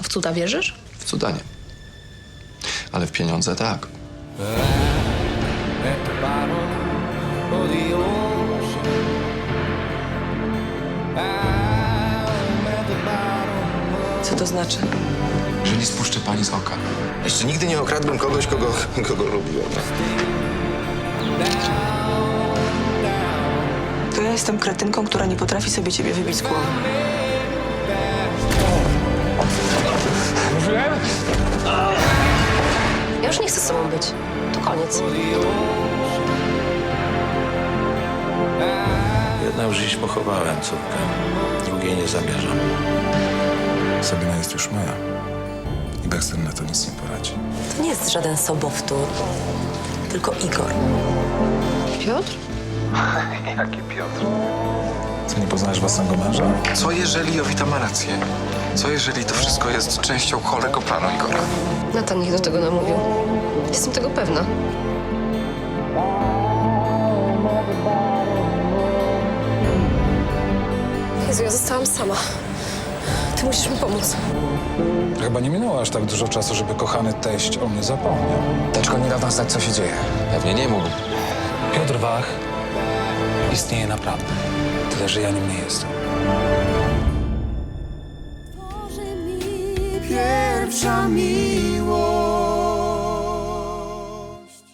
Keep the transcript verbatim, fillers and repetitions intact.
A w cuda wierzysz? W cuda nie. Ale w pieniądze tak. Co to znaczy? Że nie spuszczę pani z oka. Jeszcze nigdy nie okradłem kogoś, kogo, kogo lubiłem. To ja jestem kretynką, która nie potrafi sobie ciebie wybić z głowy. Ja już nie chcę z tobą być. To koniec. Jedną już dziś pochowałem córkę, drugiej nie zamierzam. Sabina jest już moja. I Baxter na to nic nie poradzi. To nie jest żaden sobowtór, tylko Igor. Piotr? Ty nie poznajesz własnego męża? Co jeżeli Jowita ma rację? Co jeżeli to wszystko jest częścią chorego planu Igora? Natan ich do tego namówił. Jestem tego pewna. Jezu, ja zostałam sama. Ty musisz mi pomóc. Chyba nie minęło aż tak dużo czasu, żeby kochany teść o mnie zapomniał. Teczko nie da nam znać, co się dzieje. Pewnie nie mógł. Piotr Wach istnieje naprawdę. Tyle, że ja nim nie jestem. Pierwsza miłość.